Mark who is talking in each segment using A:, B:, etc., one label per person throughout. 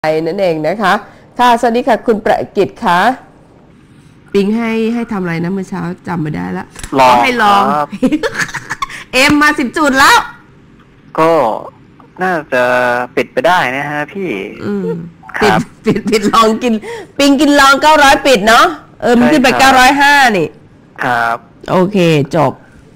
A: นั่นเองนะคะค่ะสวัสดีค่ะคุณประกิตค่ะปิงให้ทำอะไรนะเมื่อเช้าจำไม่ได้ละ
B: ลอง
A: ให้ลอง เอ็มมา10 จุดแล้ว
B: ก็น่าจะปิดไปได้นะฮะพี่
A: ปิดลองกินปิงกินลอง900ปิดเนาะมันขึ้นไป905นี่
B: ครับ
A: โอเคจบ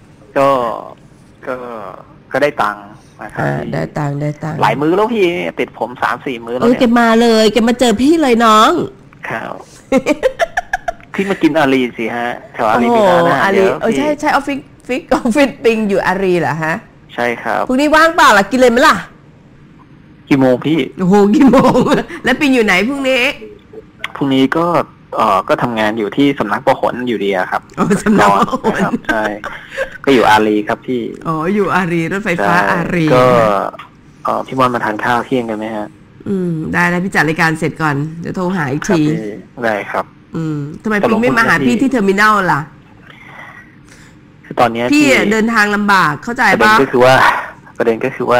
B: ก็ได้ตังค์นะครับ
A: ได้ตังค์
B: หลายมื้อแล้วพี่ติดผม3-4 มื้อแล้ว
A: เนี่ยแกมาเลยแกมาเจอพี่เลยน้อง
B: ครับพี่มากินอารีสิฮะแถวอารีมีร้านอาหารเยอะ
A: ใช่ออฟฟิศปิงอยู่อารีเหรอฮะ
B: ใช่ครับ
A: พรุ่งนี้ว่างเปล่าล่ะกินเลยไหมล่ะ
B: กี่โมงพี่
A: โอ้โหกี่โมงแล้วปิงอยู่ไหนพรุ่งนี้
B: ก็ทำงานอยู่ที่สำนักประหลอยู่ดีครับ
A: สำนักประหล
B: ใช่ก็อยู่อารีครับพี่
A: อยู่อารีรถไฟฟ้าอารี
B: ก็พี่บอลมาทานข้าวเที่ยงกันไหมฮะ
A: ได้แล้วพี่จัดรายการเสร็จก่อนเดี๋ยวโทรหาอีกที
B: ได้ครับ
A: ทำไมปิงไม่มาหาพี่ที่เทอร์มินัลล่ะ
B: คือตอนนี้
A: พี่เดินทางลำบากเข้าใจป่ะ
B: ประเด็นก็คือว่า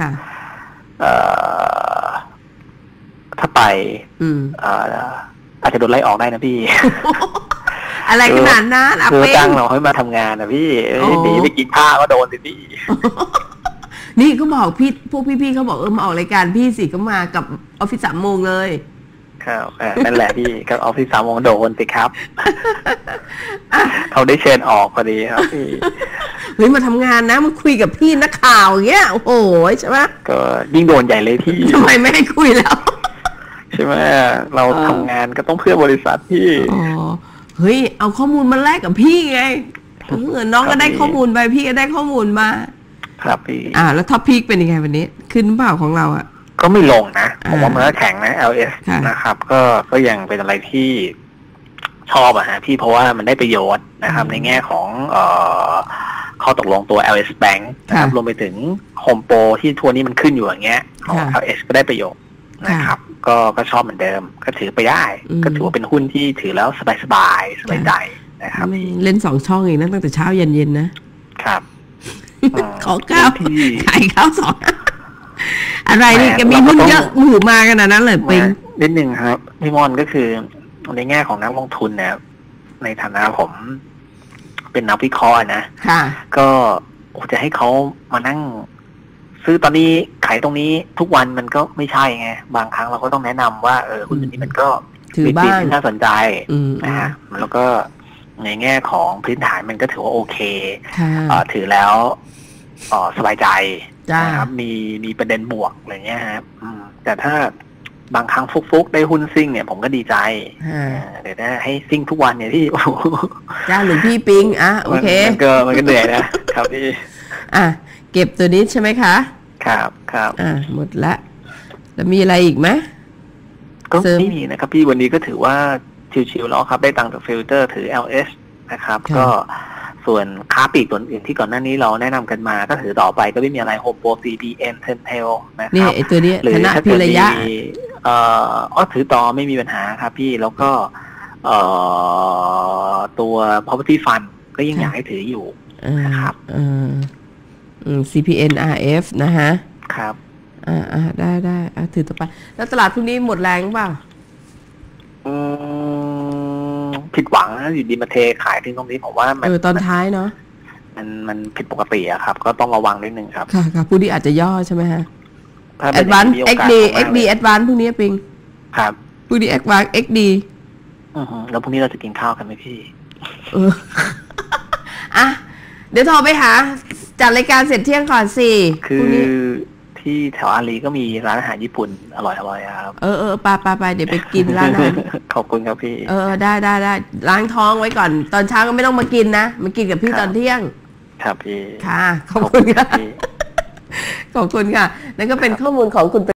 B: ถ้าไปอาจจะโดนไล่ออกได้นะพี่
A: อะไรขนาดนั้น
B: คือจ้างเราให้มาทำงานนะพี่หนีไปกินข้าวก็โดนสิพี่
A: นี่เขาบอกพวกพี่เขาบอกมาออกรายการพี่สิก็มากับออฟฟิศ3 โมงเลย
B: ครับนั่นแหละพี่กับออฟฟิศ3 โมงโดนสิครับเขาได้เชิญออกพอดีครับพี่
A: เฮ้ยมาทำงานนะมาคุยกับพี่นักข่าวอย่างเงี้ยโอ้โหใช่ไหม
B: ก็ยิ่งโดนใหญ่เลยพี่
A: ทำไมไม่ให้คุยแล้ว
B: ใช่ไหมเราทำงานก็ต้องเพื่อบริษัทพี่
A: เฮ้ยเอาข้อมูลมาแลกกับพี่ไงน้องก็ได้ข้อมูลไปพี่ก็ได้ข้อมูลมา
B: ครับพี่
A: แล้วท็อปพีคเป็นยังไงวันนี้ขึ้นเปล่าของเรา
B: ก็ไม่ลงนะผมว่ามันก็แข็งนะ LS นะครับก็ยังเป็นอะไรที่ชอบฮะพี่เพราะว่ามันได้ประโยชน์นะครับในแง่ของข้อตกลงตัว LS Bank นะครับรวมไปถึง Home Pro ที่ทัวร์นี้มันขึ้นอยู่อย่างเงี้ยของ LS ก็ได้ประโยชน์นะครับก็ชอบเหมือนเดิมก็ถือไปได้ก็ถือว่าเป็นหุ้นที่ถือแล้วสบายใจนะครับ
A: เล่น2 ช่องเองนะตั้งแต่เช้าเย็นนะครับขอข้าวขายข้าว2อะไรนี่แกมีหุ้นเยอะหมู่มากันนั้นเลยปิง
B: นิดนึงครับพี่มอนก็คือในแง่ของนักลงทุนเนี่ยในฐานะผมเป็นนักวิเคราะห์นะก็จะให้เขามานั่งซื้อตอนนี้ขายตรงนี้ทุกวันมันก็ไม่ใช่ไงบางครั้งเราก็ต้องแนะนำว่าหุ้นนี้มันก็
A: มีปี
B: ที่น่าสนใจนะฮะแล้วก็ในแง่ของพื้นฐานมันก็ถือว่าโอเคถือแล้วสบายใจนะครับมีประเด็นบวกอะไรเงี้ยครับแต่ถ้าบางครั้งฟุกได้หุ้นซิ่งเนี่ยผมก็ดีใจเดี๋ยวให้ซิ่งทุกวันเนี่ยที่
A: จ้าหรือพี่ปิงโอเค
B: มันก็เหนื่อยนะครับพี่
A: เก็บตัวนี้ใช่ไหมคะ
B: ครับ
A: หมดละแล้วมีอะไรอีกไหม
B: ก็ไม่มีนะครับพี่วันนี้ก็ถือว่าชิวๆแล้วครับได้ตังค์จากฟิลเตอร์ถือ LS นะครับก็ส่วนค้าปลีกตัวอื่นที่ก่อนหน้านี้เราแนะนำกันมาก็ถือต่อไปก็ไม่มีอะไร Home Pro CPN Tentel นะครับ
A: นี่ไอตัวนี้
B: หรือถ้าเกิดมีถือต่อไม่มีปัญหาครับพี่แล้วก็ตัว Property Fund ก็ยังอยากให้ถืออยู่นะครับ
A: CPN RF นะฮะ
B: ครับ
A: ได้ถือต่อไปแล้วตลาดพรุ่งนี้หมดแรงเปล่า
B: ผิดหวังนะอยู่ดีมาเทขายถึงตรงนี้ผมว่ามัน
A: ตอนท้ายเนาะ
B: มันผิดปกติอะครับก็ต้องระวังนิดนึงครับ
A: ค่ะพรุ่งนี้อาจจะย่อใช่ไหมฮะ Advance XD Advance พรุ่งนี้ปิง
B: ครับ
A: พรุ่งนี้ Advance XD
B: แล้วพรุ่งนี้เราจะกินข้าวกันไหมพี่
A: เดี๋ยวโทรไปหาจัดรายการเสร็จเที่ยงก่อนสิ
B: คือที่แถวอารีก็มีร้านอาหารญี่ปุ่นอร่อยครับ
A: ไปเดี๋ยวไปกินร้านนั้น
B: ขอบคุณครับพี่
A: ได้ล้างท้องไว้ก่อนตอนเช้าก็ไม่ต้องมากินนะมากินกับพี่ตอนเที่ยง
B: ครับพี่
A: ค่ะขอบคุณค่ะขอบคุณค่ะนั่นก็เป็นข้อมูลของคุณ